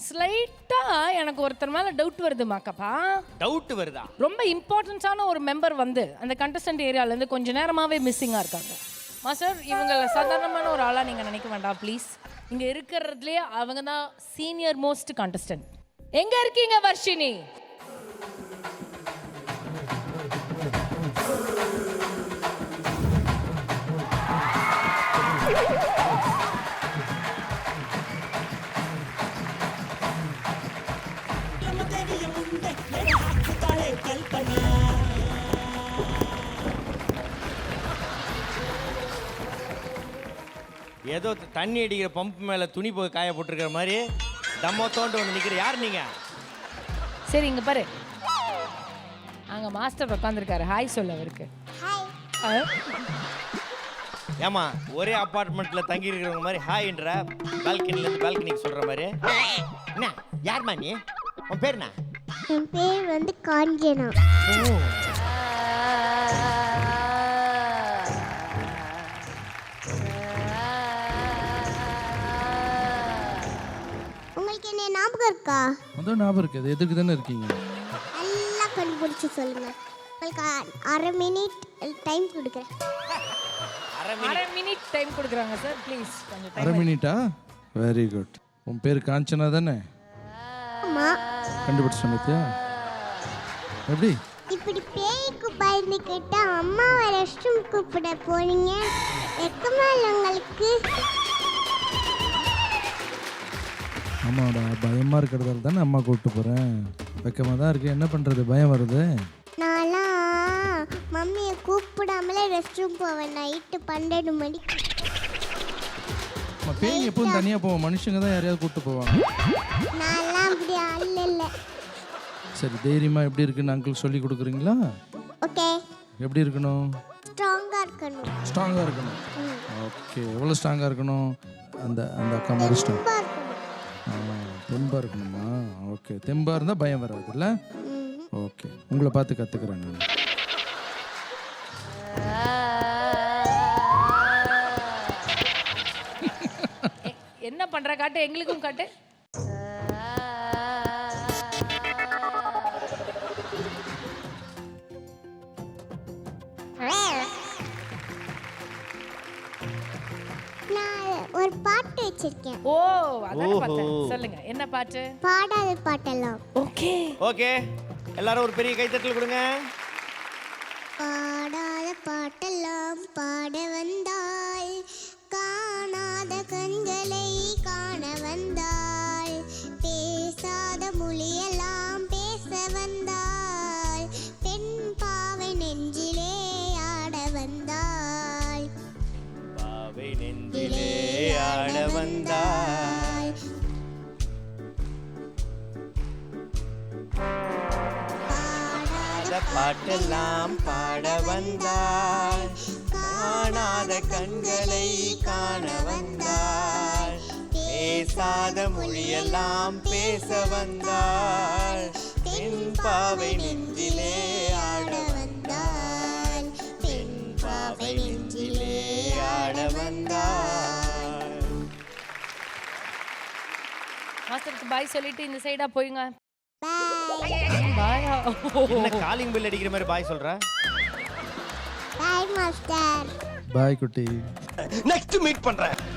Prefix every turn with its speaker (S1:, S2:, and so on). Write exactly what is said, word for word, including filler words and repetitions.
S1: ஸ்லைட்டா எனக்கு ஒருத்தர் மேல டவுட் வருதுமாக்கப்பா.
S2: டவுட் வருதா?
S1: ரொம்ப இம்பார்ட்டன்ஸான ஒரு மெம்பர் வந்து அந்த கண்டஸ்டன்ட் ஏரியால இருந்து கொஞ்ச நேரமாவே மிஸ்ஸிங்கா இருக்காங்க. மாஸ்டர், இவங்கள சாதாரணமான ஒரு ஆளா நீங்க நினைக்க வேண்டாம் ப்ளீஸ். இங்க இருக்கிறதுலயே அவங்க தான் சீனியர் மோஸ்ட் கண்டஸ்டன்ட். எங்க இருக்கீங்க வர்ஷினி?
S2: ஏதோ தண்ணி அடிக்கிற பம்ப் மேல துணி போய் காய போட்டிருக்கிற மாதிரி தம்மோ தோண்டு வந்து நிக்கிற. யார் நீங்க?
S1: சரி, இங்க பாரு, அங்க மாஸ்டர் உட்காந்துருக்காரு. ஹாய் சொல்ல அவருக்கு.
S2: ஏமா ஒரே அப்பார்ட்மெண்ட்ல தங்கி இருக்கிறவங்க மாதிரி ஹாய்ன்ற பால்கனில இருந்து பால்கனிக்கு சொல்ற மாதிரி. என்ன யார்மா நீ? உன் பேர் என்ன?
S3: என் பேர் வந்து காஞ்சனா. உங்களுக்கு என்ன ஞாபகம் இருக்கா?
S4: அதான் ஞாபகம் இருக்குது. எதுக்கு தானே இருக்கீங்க?
S3: நல்லா கண்டுபிடிச்சு சொல்லுங்க. உங்களுக்கு அரை மினிட் டைம் கொடுக்குறேன்.
S1: அரை மினிட் டைம் கொடுக்குறாங்க சார், ப்ளீஸ் கொஞ்சம் டைம்.
S4: அரை மினிட்டா? Very good. உன் பேர் காஞ்சனா தானே?
S3: ஆமா.
S4: கண்டுபிடிச்ச மத்தியா? எப்படி
S3: இப்படி பேய்க்கு பயந்துக்கிட்டு அம்மாவை ரெஸ்ட் ரூம் கூப்பிட போனீங்க? வெக்கமா இல்லை உங்களுக்கு?
S4: ஆமாடா, பயமாக இருக்கிறதால தானே அம்மா கூப்பிட்டு போகிறேன். வெக்கமாக தான் இருக்கு. என்ன பண்ணுறது, பயம் வருது.
S3: நான்லாம் மம்மியை கூப்பிடாமலே ரெஸ்ட் ரூம் போவேன் நைட்டு பன்னெண்டு மணிக்கு.
S4: நம்ம பேய் எப்பவும் தனியாக போவோம், மனுஷங்க தான் யாரையாவது கூப்பிட்டு போவாங்க.
S3: நான்லாம் அப்படி அல்ல இல்லை.
S4: சரி, தைரியமாக எப்படி இருக்குன்னு அங்கிள் சொல்லி கொடுக்குறீங்களா?
S3: ஓகே.
S4: எப்படி இருக்கணும்?
S3: ஸ்ட்ராங்காக இருக்கணும்.
S4: ஸ்ட்ராங்காக இருக்கணும். ஓகே, எவ்வளோ ஸ்ட்ராங்காக இருக்கணும்? அந்த அந்த அக்கா மாதிரி ஸ்ட்ராங்.
S3: தெம்பா இருக்கணும்.
S4: தெம்பாக இருக்கணுமா? ஓகே, தெம்பாக இருந்தால் பயம் வராது இல்லை? ஓகே, உங்களை பார்த்து கற்றுக்குறேன் நான்.
S1: என்ன பண்ற காட்டு, எங்களுக்கும் காட்டு.
S3: நான் ஒரு பாட்டு வச்சிருக்கேன்.
S1: ஓ, அதான் பார்த்தேன். சொல்லுங்க, என்ன பாட்டு?
S3: பாடாத பாட்டெல்லாம்.
S1: ஓகே
S2: ஓகே, எல்லாரும் ஒரு பெரிய கைத்தட்டல் கொடுங்க.
S3: பாடாத பாட்டெல்லாம் பாட வந்தாள், காணாத கண்களை காண வந்தாள், பேசாத மொழியெல்லாம் பேச வந்தாள், பெண் பாவை நெஞ்சிலே ஆட வந்தாள்,
S2: பாவை நெஞ்சிலே ஆட வந்தாள், பாட்டெல்லாம் பாட வந்தாள், காணாத கண்களை காண வந்தாள், பேசாத மொழியெல்லாம் பேச வந்தாள், பெண் பாவை நெஞ்சிலே ஆட வந்தாள், பெண் பாவை நெஞ்சிலே ஆட வந்தாள்.
S1: மாஸ்டருக்கு பாய் சொல்லிட்டு இந்த சைடா போயுங்க.
S3: பாய்.
S1: பாயா?
S2: என்ன காலிங் பெல் அடிக்கிற மாதிரி பாய் சொல்ற?
S3: பாய் மாஸ்டர்.
S4: பாய் குட்டி.
S2: நெக்ஸ்ட் மீட் பண்றேன்.